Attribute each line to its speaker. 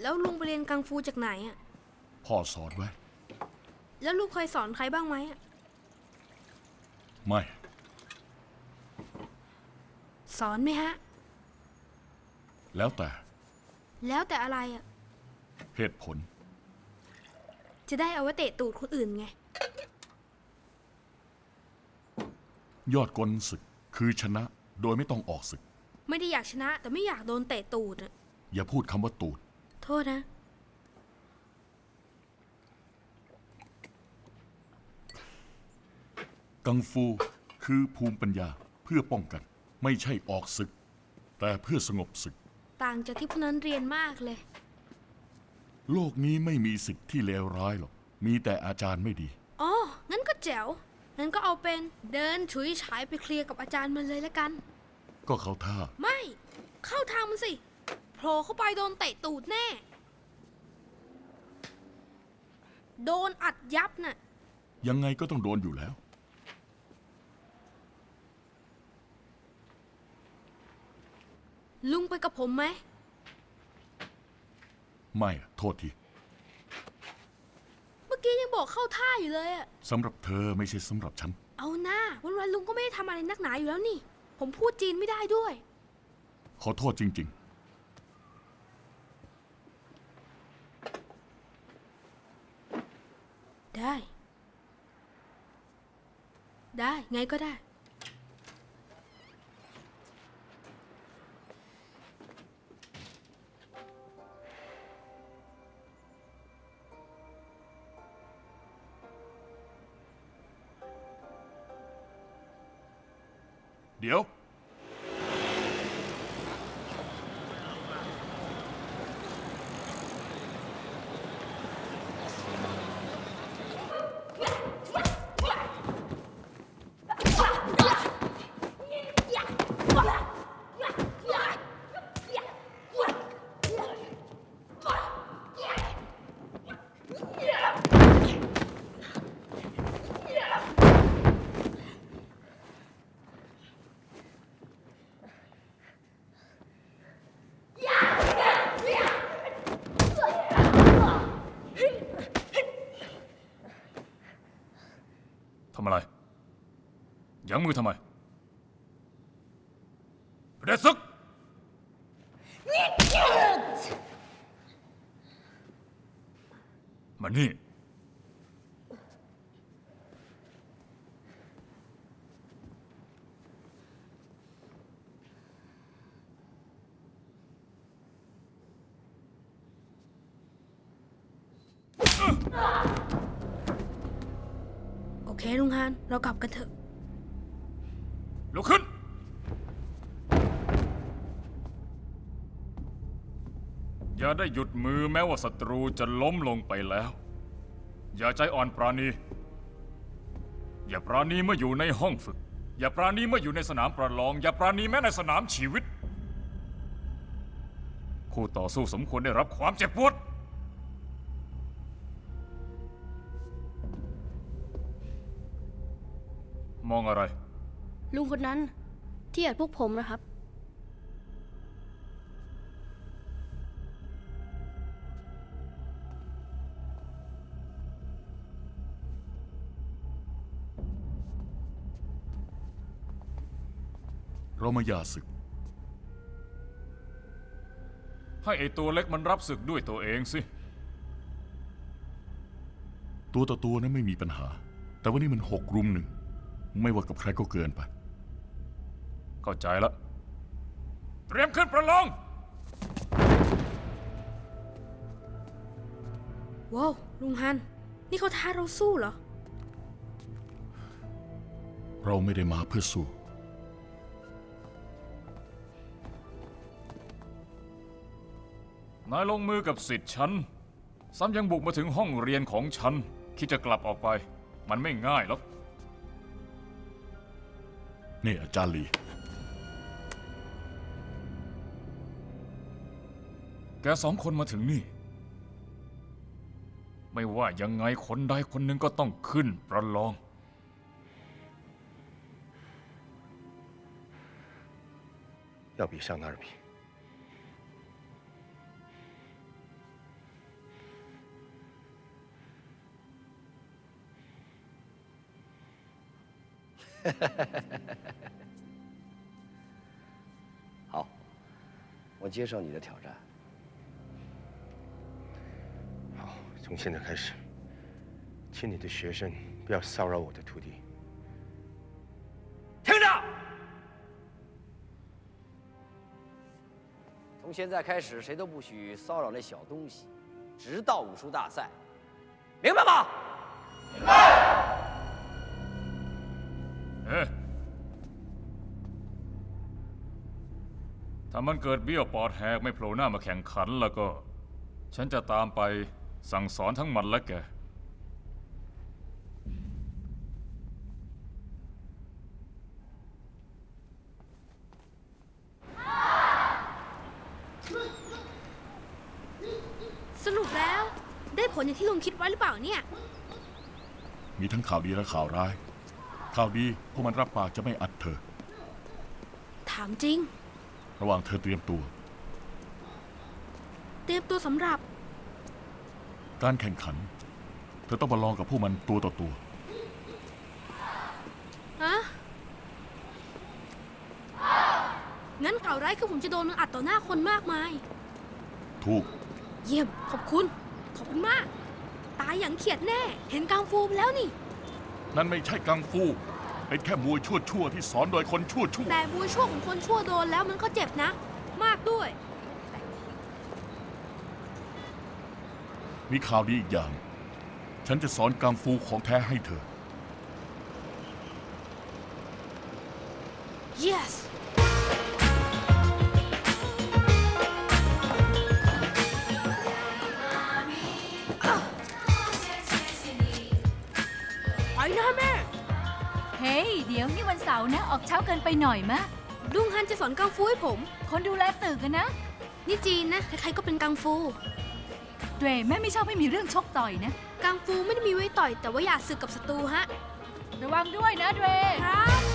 Speaker 1: แล้วลุงไปเรียนกังฟูจากไหนอ่ะ
Speaker 2: พ่อสอนไว้
Speaker 1: แล้วลุงเคยสอนใครบ้างไหมอ่ะ
Speaker 2: ไม่
Speaker 1: สอนไหมฮะ
Speaker 2: แล้วแต่
Speaker 1: อะไรอ่ะ
Speaker 2: เหตุผล
Speaker 1: จะได้เอาไว้เตะตูดคนอื่นไง
Speaker 2: ยอดกลศึกคือชนะโดยไม่ต้องออกศึก
Speaker 1: ไม่ได้อยากชนะแต่ไม่อยากโดนเตะตูดอ่ะ
Speaker 2: อย่าพูดคำว่าตูด
Speaker 1: โทษนะ
Speaker 2: กังฟูคือภูมิปัญญาเพื่อป้องกันไม่ใช่ออกศึกแต่เพื่อสงบศึก
Speaker 1: ต่างจากที่พวกนั้นเรียนมากเลย
Speaker 2: โลกนี้ไม่มีสิทธิ์ที่เลวร้ายหรอกมีแต่อาจารย์ไม่ดี
Speaker 1: อ๋องั้นก็แจ๋วงั้นก็เอาเป็นเดินฉุยฉายไปเคลียร์กับอาจารย์มันเลยละกัน
Speaker 2: ก็เขาท่า
Speaker 1: ไม่เข้าทางมันสิโผล่เข้าไปโดนเตะตูดแน่โดนอัดยับน่ะ
Speaker 2: ยังไงก็ต้องโดนอยู่แล้ว
Speaker 1: ลุงไปกับผมไหม
Speaker 2: ไม่โทษที
Speaker 1: เมื่อกี้ยังบอกเข้าท่าอยู่เลยอะ
Speaker 2: สำหรับเธอไม่ใช่สำหรับฉัน
Speaker 1: เอาหน้าวันๆลุงก็ไม่ได้ทำอะไรนักหนาอยู่แล้วนี่ผมพูดจีนไม่ได้ด้วย
Speaker 2: ขอโทษจริง
Speaker 1: ๆได้ไงก็ได้
Speaker 2: เดี๋ยวทำอะไรยั้งมือทำไมเด็ดซึกมานี่
Speaker 1: โอเคลุงฮานเรากลับกันเถอะ
Speaker 2: ลุกขึ้นอย่าได้หยุดมือแม้ว่าศัตรูจะล้มลงไปแล้วอย่าใจอ่อนปราณีอย่าปราณีเมื่ออยู่ในห้องฝึกอย่าปราณีเมื่ออยู่ในสนามประลองอย่าปราณีแม้ในสนามชีวิตคู่ต่อสู้สมควรได้รับความเจ็บปวดมองอะไร
Speaker 1: ลุงคนนั้นที่อัดพวกผมนะครับ
Speaker 2: เรามาหย่าศึกให้ไอตัวเล็กมันรับศึกด้วยตัวเองสิตัวต่อตัวนั้นไม่มีปัญหาแต่วันนี้มัน6 รุม 1ไม่ว่ากับใครก็เกินไปเข้าใจแล้วเตรียมขึ้นประลอง
Speaker 1: ว้าวลุงฮันนี่เขาท้าเราสู้เหรอ
Speaker 2: เราไม่ได้มาเพื่อสู้นายลงมือกับศิษย์ฉันซ้ำยังบุกมาถึงห้องเรียนของฉันคิดจะกลับออกไปมันไม่ง่ายหรอกนี่อาจารย์ลีแก2 คนมาถึงนี่ไม่ว่ายังไงคนใดคนหนึ่งก็ต้องขึ้นประลอง
Speaker 3: 要比上那儿比好，我接受你的挑战。
Speaker 4: 好，从现在开始，请你的学生不要骚扰我的徒弟。
Speaker 3: 听着，从现在开始，谁都不许骚扰那小东西，直到武术大赛，明白吗？明白。
Speaker 2: เอ๊ะถ้ามันเกิดเบี้ยวปอดแหกไม่โผล่หน้ามาแข่งขันแล้วก็ ฉันจะตามไปสั่งสอนทั้งมันและแก
Speaker 1: สรุปแล้วได้ผลอย่างที่ลุงคิดไว้หรือเปล่าเนี่ย
Speaker 5: มีทั้งข่าวดีและข่าวร้าย ข่าวดีพวกมันรับปากจะไม่อัดเธอ
Speaker 1: ถามจริง
Speaker 5: ระหว่างเธอเตรียมตัว
Speaker 1: เตรียมตัวสำหรับ
Speaker 5: การแข่งขัน เธอต้องมาลองกับพวกมันตัวต่อตัว
Speaker 1: ฮะ งั้นข่าวร้ายคือผมจะโดนมันอัดต่อหน้าคนมากมาย
Speaker 5: ถูก
Speaker 1: เยี่ยม ขอบคุณ ขอบคุณมาก ตายอย่างเขียดแน่ เห็นกังฟูไปแล้วนี่
Speaker 5: นั่นไม่ใช่กังฟู เป็นแค่มวยชั่วๆที่สอนโดยคนชั่ว
Speaker 1: แต่มวยชั่วของคนชั่วโดนแล้วมันก็เจ็บนะ มากด้วย
Speaker 5: ๆมีข่าวดีอีกอย่าง ฉันจะสอนกังฟูของแท้ให้เธอ
Speaker 1: yes ไปนะแม่
Speaker 6: เฮ้ย เดี๋ยวนี่วันเสาร์นะ ออกเช้าเกินไปหน่อยมะ
Speaker 1: ลุงฮันจะสอนกังฟูให้ผม
Speaker 6: คนดูแลตึกกันนะ
Speaker 1: นี่จีนนะ ใครๆก็เป็นกังฟู
Speaker 6: เดรแม่ไม่ชอบให้มีเรื่องชกต่อยนะ
Speaker 1: กังฟูไม่ได้มีไว้ต่อย แต่ว่าอย่าสึกกับศัตรูฮะ
Speaker 6: ระวังด้วยนะเดร
Speaker 1: ครับ